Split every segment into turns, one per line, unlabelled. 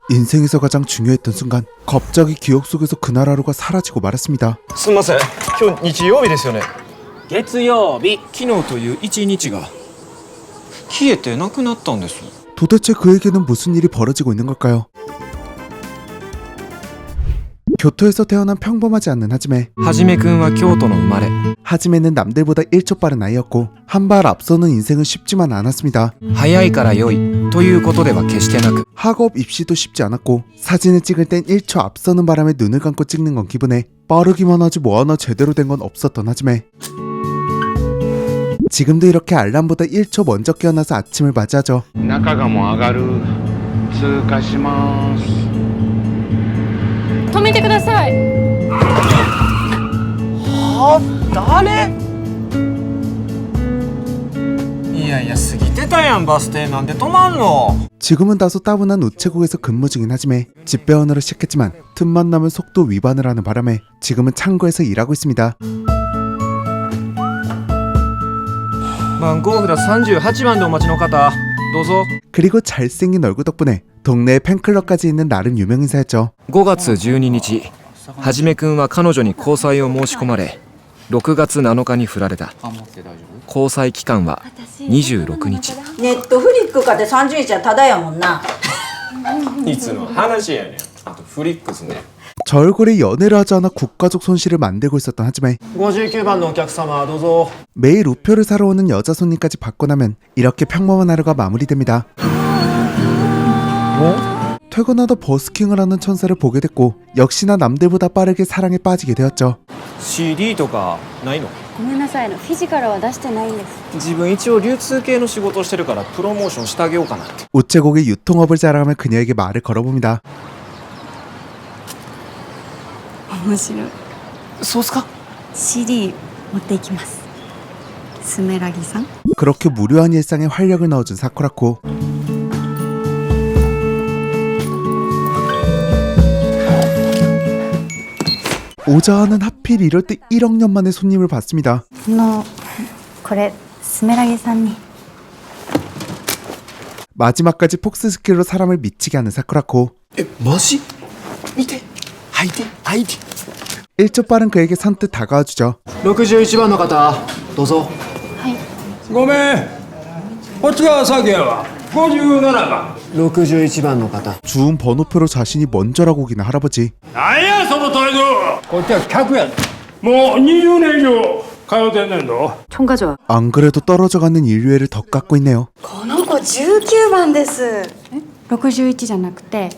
인생에서 가장 중요했던 순간 갑자기 기억 속에서 그날 하루가 사라지고 말았습니다.
すみません、今日日曜日ですよね。
月曜日、昨日という一日が消えてなくなったんです。
도대체 그에게는 무슨 일이 벌어지고 있는 걸까요? 교토에서 태어난 평범하지 않는 하지메.
はじめくんは京都の生まれ。
하지메는 남들보다 1초 빠른 아이였고 한 발 앞서는 인생은 쉽지만 않았습니다.
早いから良いということでは決してなく、
학업 입시도 쉽지 않았고 사진을 찍을 땐 1초 앞서는 바람에 눈을 감고 찍는 건 기분에 빠르기만 하지 뭐 하나 제대로 된 건 없었던 하지메. 지금도 이렇게 알람보다 1초 먼저 깨어나서 아침을 맞이하죠.
中がもう上がる通過します。
止めてください。
誰？
いやいや過ぎてたやんバス停なんで止まんの。
지금은 다소 따분한 우체국에서 근무 중인 하지메. 집배원으로 시작했지만 틈만 나면 속도 위반을 하는 바람에 지금은 창고에서 일하고 있습니다.
番号札38番でお待ちの方どうぞ。
그리고 잘생긴 얼굴 덕분에 동네에 팬클럽까지 있는 나름 유명 인사였죠.
5月12日、はじめくんは彼女に交際を申し込まれ、6月7日に振られた。交際期間は26日。
ネットフリックかて30日はただやもんな。
いつの話やねん。あとフリックスね。
저 얼굴에 연애를 하지 않아 국가적 손실을 만들고 있었던 하지메.
59番のお客様どうぞ。
매일 우표를 사러 오는 여자 손님까지 받고 나면 이렇게 평범한 하루가 마무리됩니다. 퇴근하다 버스킹을 하는 천사를 보게 됐고 역시나 남들보다 빠르게 사랑에 빠지게 되었죠.
CD とかないの？
ごめんなさい、フィジカルは出してないんです。
自分一応流通系の仕事をしてるからプロモーションしてあげようかなって。
우체국의 유통업을 자랑하며 그녀에게 말을 걸어봅니다.
面白い。
そうっすか？
CD 持っていきます。スメラギさん。
그렇게 무료한 일상에 활력을 넣어준 사쿠라코. 오자는 하필 이럴 때 1억 년 만에 손님을 받습니다.
これスメラギさんに。
마지막까지 폭스 스킬로 사람을 미치게 하는 사쿠라코.
え、マジ？見て、履いて、履いて。
1초 빠른 그에게 선뜻 다가와주죠.
61番の方どうぞ。
はい。
ごめん、こっちが先やわ。57番。
61番の方。
주운 번호표로 자신이 먼저라고 우기는 할아버지.
なんやその態度。こっちは客や。もう20年以上通ってんねんぞ。
총가죠.
안 그래도 떨어져가는 인류애를 더 깎고 있네요.
この子19番です。61じゃなくて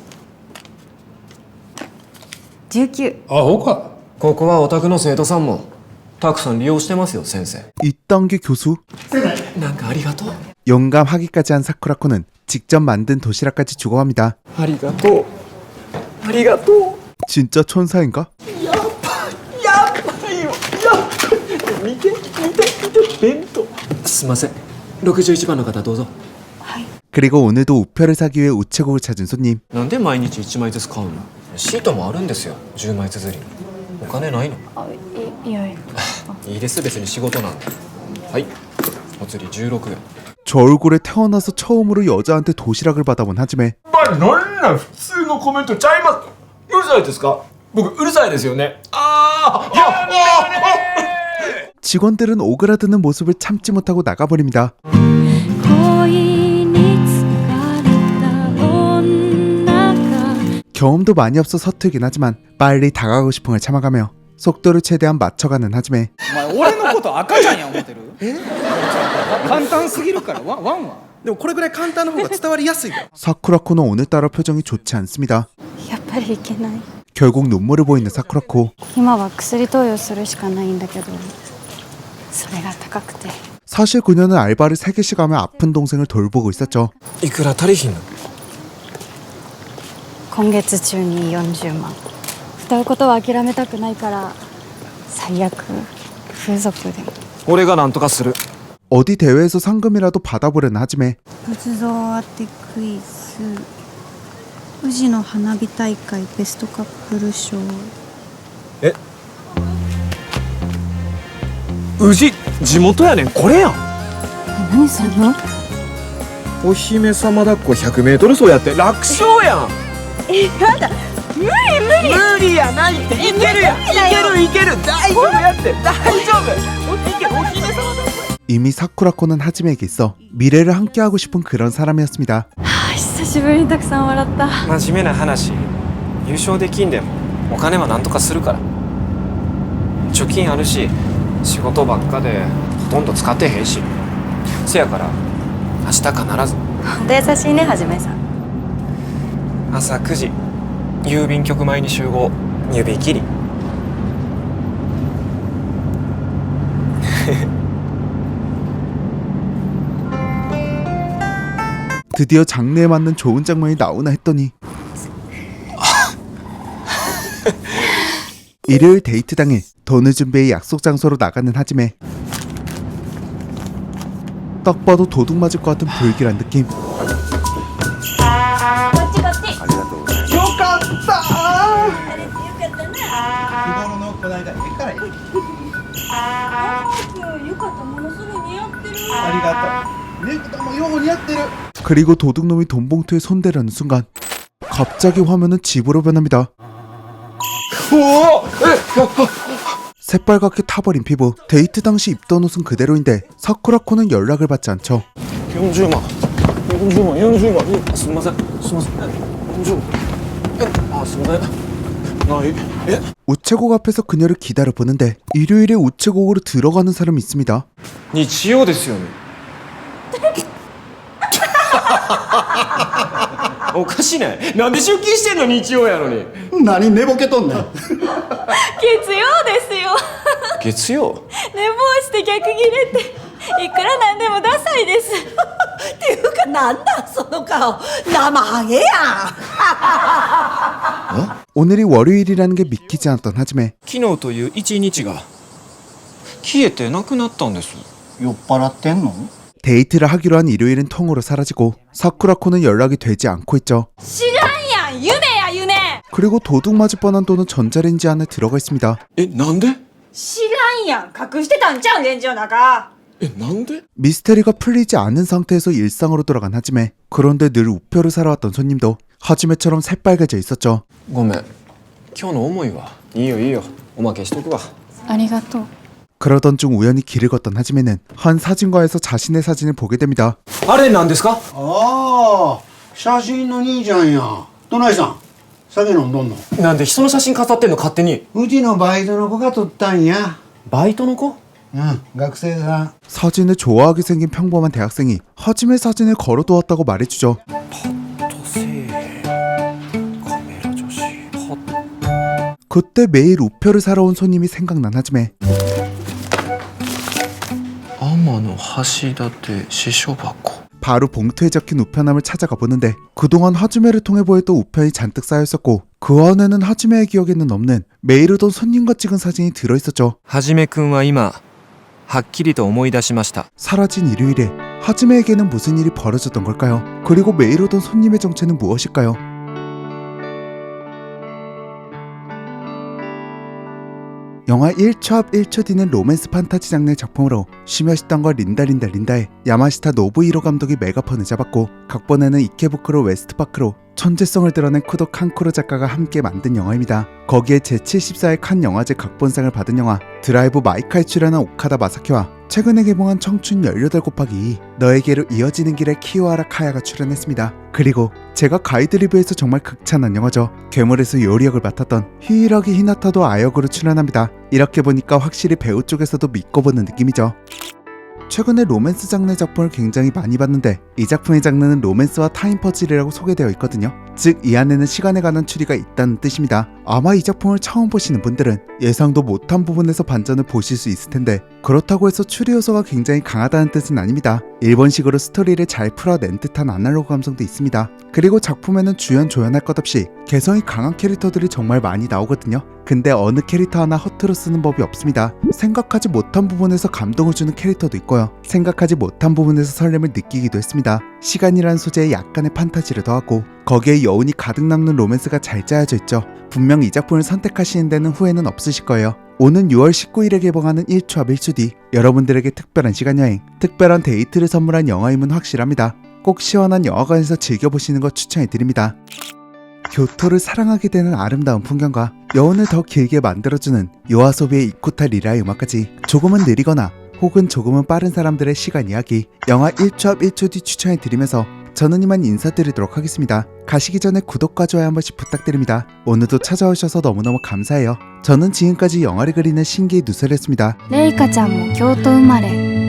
19。
アホか。
ここはお宅の生徒さんもたくさん利用してますよ先生。
이딴 게 교수?
なんかありがとう。
영감하기까지 한 사쿠라코는 직접 만든 도시락까지 주고 합니다.
ありがとう。ありがとう。
진짜 천사인가?
やばいよ。見て弁当。すいません。61番の方どうぞ。
그리고 오늘도 우표를 사기 위해 우체국을 찾은 손님.
なんで毎日1枚ずつ買うの？シートもあるんですよ。10枚綴り。お金ないの？
いやいや。
いいです別に仕事なんで。はい。お釣り16円。
저 얼굴에 태어나서 처음으로 여자한테 도시락을 받아본 하지메.
なんなん普通のコメントちゃいます。うるさいですか？僕うるさいですよね。
직원들은 오그라드는 모습을 참지 못하고 나가버립니다. 경험도 많이 없어 서툴긴 하지만 빨리 다가가고 싶은 걸 참아가며 속도를 최대한 맞춰가는 하지메.
お前俺のこと赤ちゃんや思ってる？簡単すぎるからワンは。でもこれぐらい簡単の方が伝わりやすいよ。
사쿠라코는 오늘따라 표정이 좋지 않습니다.
やっぱりいけない。
결국 눈물을 보이는 사쿠라코.
今は薬投与するしかないんだけど、それが高くて。
사실 그녀는 알바를 3개씩 하며 아픈 동생을 돌보고 있었죠.
いくら足りひんの？
今月中に40万。歌うことは諦めたくないから、最悪風俗でも。
俺がなんとかする。
어디 대회에서 상금이라도 받아보려는 하지메.
仏像当てクイズ、宇治の花火大会ベストカップル賞。
え？宇治地元やねんこれやん。
何すんの？
お姫様抱っこ 100m 走やって楽勝やん。
やだ無理
無理やないっていけるやんいける大丈夫やって大丈夫いけるお姫様だ
이미 사쿠라코는 하지메에게 있어 미래를 함께하고 싶은 그런 사람이었습니다.
久しぶりにたくさん笑った。
真面目な話優勝できんでもお金はなんとかするから貯金あるし仕事ばっかでほとんど使ってへんしせやから明日必ず
本当優しいね、はじめさん。
朝9時郵便局前に集合指切り
드디어 장르에 맞는 좋은 장면이 나오나 했더니 일요일 데이트 당일 돈을 준비해 약속 장소로 나가는 하지메. 딱 봐도 도둑 맞을 것 같은 불길한 느낌.
こっちこっち
よかった
あれよかったな
日頃のこないだええからいい
よかったものすごい似合ってる
ありがとうネクタもよう似合ってる
그리고 도둑놈이 돈 봉투에 손대려는 순간 갑자기 화면은 집으로 변합니다. 새빨갛게 타버린 피부. 데이트 당시 입던 옷은 그대로인데 사쿠라코는 연락을 받지 않죠.
40万すみません40万あすみませんないえ
우체국 앞에서 그녀를 기다려보는데 일요일에 우체국으로 들어가는 사람이 있습니다.
日曜ですよねおかしないなんで出勤してんの日曜やのに
何寝ぼけとんねん
月曜ですよ
月曜
寝坊して逆ギレっていくらなんでもダサいですっていうかなんだその顔生ハゲやん
오늘이 월요일이라는 게 믿기지 않았던 하지메.
昨日という一日が消えてなくなったんです
酔っ払ってんの
데이트를 하기로 한 일요일은 통으로 사라지고 사쿠라코는 연락이 되지 않고 있죠.
知らんやん夢や夢
그리고 도둑 맞을 뻔한 돈은 전자레인지 안에 들어가 있습니다.
えなんで
知らんやん隠してたんちゃうんレンジの中
えなんで
미스테리가 풀리지 않은 상태에서 일상으로 돌아간 하지메. 그런데 늘 우표를 사러 왔던 손님도 하지메처럼 새빨개져 있었죠.
ごめん今日の重いわいいよおまけしとくわ
ありがとう。
그러던 중 우연히 길을 걷던 하지메는 한 사진과에서 자신의 사진을 보게 됩니다.
あれなんですか
ああ写真の兄ちゃんやどないさん酒飲んどんの
なんで人の写真飾ってんの勝手に
うちのバイトの子が撮ったんや
バイトの子
うん学生さん
사진을 좋아하게 생긴 평범한 대학생이 하지메 사진을 걸어두었다고 말해주죠.
とせえカメラ女子は
그때 매일 우표를 사러 온 손님이 생각난 하지메.
天の橋立支所箱
바로 봉투에 적힌 우편함을 찾아가 보는데 그동안 하지메를 통해 보였던 우편이 잔뜩 쌓여있었고 그 안에는 하지메의 기억에는 없는 매일 오던 손님과 찍은 사진이 들어있었죠.
はじめくんは今はっきりと思い出しました。
사라진 일요일에 하지메에게는 무슨 일이 벌어졌던 걸까요? 그리고 매일 오던 손님의 정체는 무엇일까요? 영화 1초 앞 1초 뒤는 로맨스 판타지 장르의 작품으로 쉬며시던과 린다의 야마시타 노부히로 감독이 메가폰을 잡았고 각본에는 이케부쿠로 웨스트파크로 천재성을 드러낸 쿠도 칸쿠로 작가가 함께 만든 영화입니다. 거기에 제74회 칸 영화제 각본상을 받은 영화 드라이브 마이카에 출연한 오카다 마사키와 최근에 개봉한 청춘 18곱하기 2 너에게로 이어지는 길에 키요하라 카야가 출연했습니다. 그리고 제가 가이드 리뷰에서 정말 극찬한 영화죠. 괴물에서 요리 역을 맡았던 히이라기 히나타도 아역으로 출연합니다. 이렇게 보니까 확실히 배우 쪽에서도 믿고 보는 느낌이죠. 최근에 로맨스 장르의 작품을 굉장히 많이 봤는데 이 작품의 장르는 로맨스와 타임 퍼즐이라고 소개되어 있거든요. 즉 이 안에는 시간에 관한 추리가 있다는 뜻입니다. 아마 이 작품을 처음 보시는 분들은 예상도 못한 부분에서 반전을 보실 수 있을 텐데 그렇다고 해서 추리 요소가 굉장히 강하다는 뜻은 아닙니다. 일본식으로 스토리를 잘 풀어낸 듯한 아날로그 감성도 있습니다. 그리고 작품에는 주연 조연할 것 없이 개성이 강한 캐릭터들이 정말 많이 나오거든요. 근데 어느 캐릭터 하나 허투루 쓰는 법이 없습니다. 생각하지 못한 부분에서 감동을 주는 캐릭터도 있고요. 생각하지 못한 부분에서 설렘을 느끼기도 했습니다. 시간이라는 소재에 약간의 판타지를 더하고 거기에 여운이 가득 남는 로맨스가 잘 짜여져 있죠. 분명 이 작품을 선택하시는 데는 후회는 없으실 거예요. 오는 6월 19일에 개봉하는 1초 앞 1초 뒤 여러분들에게 특별한 시간여행, 특별한 데이트를 선물한 영화임은 확실합니다. 꼭 시원한 영화관에서 즐겨보시는 거 추천해드립니다. 교토를 사랑하게 되는 아름다운 풍경과 여운을 더 길게 만들어주는 요아소비의 이코타 리라의 음악까지 조금은 느리거나 혹은 조금은 빠른 사람들의 시간 이야기 영화 1초 앞 1초 뒤 추천해드리면서 저는 이만 인사드리도록 하겠습니다. 가시기 전에 구독과 좋아요 한 번씩 부탁드립니다. 오늘도 찾아오셔서 너무너무 감사해요. 저는 지금까지 영화를 그리는 신기의 누설이었습니다.
レイカちゃんも京都生まれ